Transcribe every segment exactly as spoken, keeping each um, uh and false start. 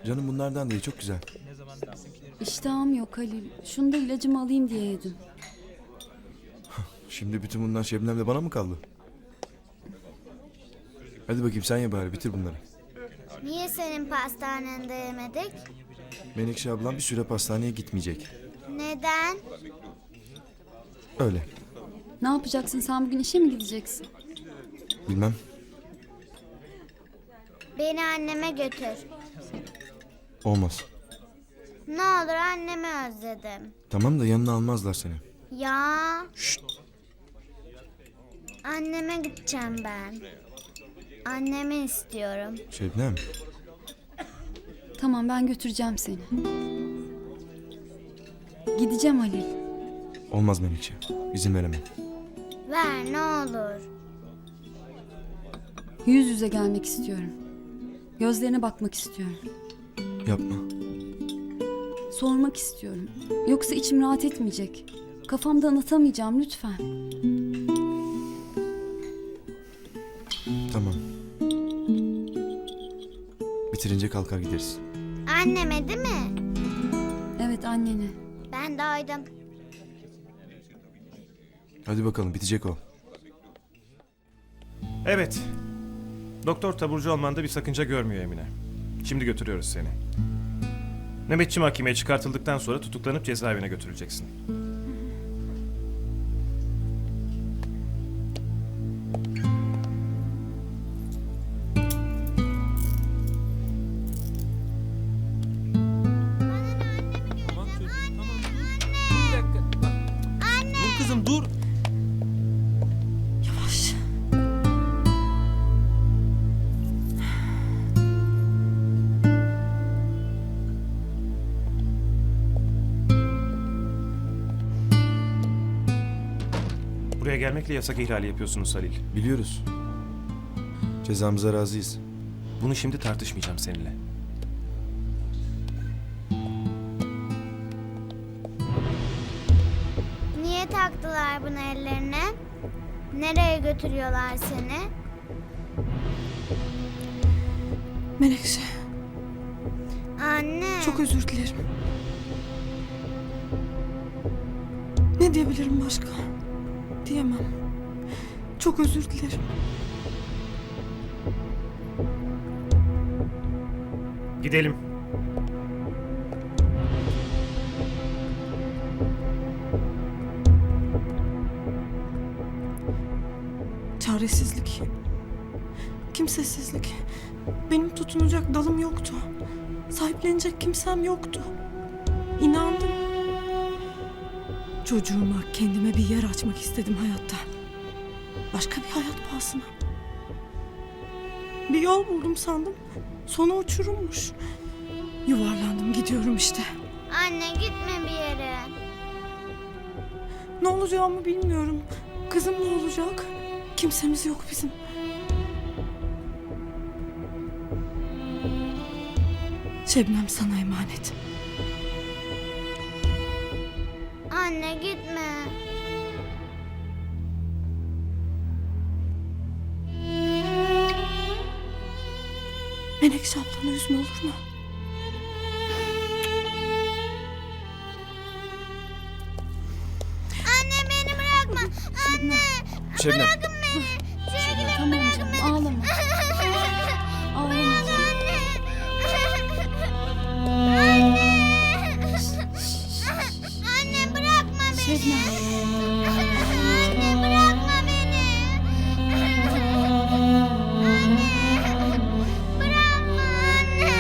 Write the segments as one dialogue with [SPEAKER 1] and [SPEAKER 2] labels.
[SPEAKER 1] Canım bunlardan değil, çok güzel.
[SPEAKER 2] İştahım yok Halil. Şunu da ilacımı alayım diye yedim.
[SPEAKER 1] Şimdi bütün bunlar Şebnem'le bana mı kaldı? Hadi bakayım sen ye bari, bitir bunları.
[SPEAKER 3] Niye senin pastanende yemedik?
[SPEAKER 1] Menekşe ablam bir süre pastaneye gitmeyecek.
[SPEAKER 3] Neden?
[SPEAKER 1] Öyle.
[SPEAKER 2] Ne yapacaksın sen bugün işe mi gideceksin?
[SPEAKER 1] Bilmem.
[SPEAKER 3] Beni anneme götür.
[SPEAKER 1] Olmaz.
[SPEAKER 3] Ne olur annemi özledim.
[SPEAKER 1] Tamam da yanına almazlar seni.
[SPEAKER 3] Ya. Anneme gideceğim ben. Annemi istiyorum.
[SPEAKER 1] Şebnem.
[SPEAKER 2] Tamam ben götüreceğim seni. Gideceğim Halil.
[SPEAKER 1] Olmaz Menekşe. İzin veremem.
[SPEAKER 3] Ver ne olur.
[SPEAKER 2] Yüz yüze gelmek istiyorum. Gözlerine bakmak istiyorum.
[SPEAKER 1] Yapma.
[SPEAKER 2] Sormak istiyorum. Yoksa içim rahat etmeyecek. Kafamda anlatamayacağım lütfen.
[SPEAKER 1] Tamam. Bitirince kalkar gideriz.
[SPEAKER 3] Anneme değil mi?
[SPEAKER 2] Evet annene.
[SPEAKER 3] Ben doydum.
[SPEAKER 1] Hadi bakalım, bitecek o.
[SPEAKER 4] Evet. Doktor taburcu olmanda bir sakınca görmüyor Emine. Şimdi götürüyoruz seni. Nöbetçi mahkemeye çıkartıldıktan sonra tutuklanıp cezaevine götürüleceksin.
[SPEAKER 5] Tamam çocuğum, tamam dur. Bir dakika. Bak. Dur kızım dur.
[SPEAKER 2] Yavaş.
[SPEAKER 4] Buraya gelmekle yasak ihlali yapıyorsunuz Halil.
[SPEAKER 1] Biliyoruz. Cezamıza razıyız.
[SPEAKER 4] Bunu şimdi tartışmayacağım seninle.
[SPEAKER 3] Niye taktılar bunu ellerine? Nereye götürüyorlar seni?
[SPEAKER 6] Menekşe,
[SPEAKER 3] Anne.
[SPEAKER 6] çok özür dilerim. Ne diyebilirim başka? Diyemem. Çok özür dilerim.
[SPEAKER 4] Gidelim.
[SPEAKER 6] Çaresizlik. Kimsesizlik. Benim tutunacak dalım yoktu. Sahiplenecek kimsem yoktu. İnandım. Çocuğuma, kendime bir yer açmak istedim hayatta. Başka bir hayat pahasına. Bir yol buldum sandım. Sonu uçurummuş. Yuvarlandım gidiyorum işte.
[SPEAKER 3] Anne gitme bir yere.
[SPEAKER 6] Ne olacağımı bilmiyorum. Kızım ne olacak? Kimsemiz yok bizim. Şebnem sana emanet.
[SPEAKER 3] Anne gitme.
[SPEAKER 6] Menekşe ablanı üzme olur mu?
[SPEAKER 3] Anne beni bırakma. Anne.
[SPEAKER 1] Şebnem.
[SPEAKER 3] Bırakın beni. Şöyle
[SPEAKER 2] Tamam canım ağlama. Ağlama canım.
[SPEAKER 3] Anne. Anne bırakma beni.
[SPEAKER 2] Şebnem.
[SPEAKER 3] Anne bırakma beni. Anne. Bırakma anne.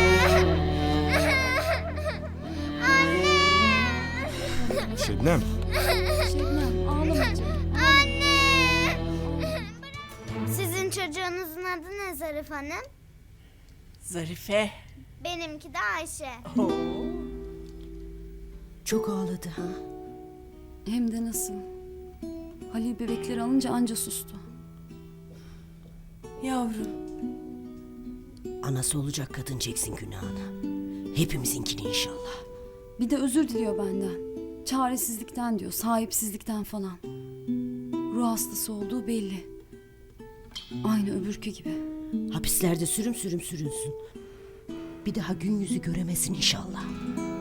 [SPEAKER 3] Anne.
[SPEAKER 1] Şebnem.
[SPEAKER 2] Şebnem ağlama canım.
[SPEAKER 3] Anne. Sizin çocuğunuzun adı ne Zarif Hanım?
[SPEAKER 7] Zarife.
[SPEAKER 3] Benimki de Ayşe.
[SPEAKER 7] Çok ağladı ha.
[SPEAKER 2] Hem de nasıl. Halil bebekleri alınca anca sustu.
[SPEAKER 7] Yavrum. Anası olacak kadın çeksin günahını. Hepimizinkini inşallah.
[SPEAKER 2] Bir de özür diliyor benden. Çaresizlikten diyor, sahipsizlikten falan. Ruh hastası olduğu belli. Aynı öbürkü gibi.
[SPEAKER 7] Hapislerde sürüm sürüm sürünsün. Bir daha gün yüzü göremesin inşallah.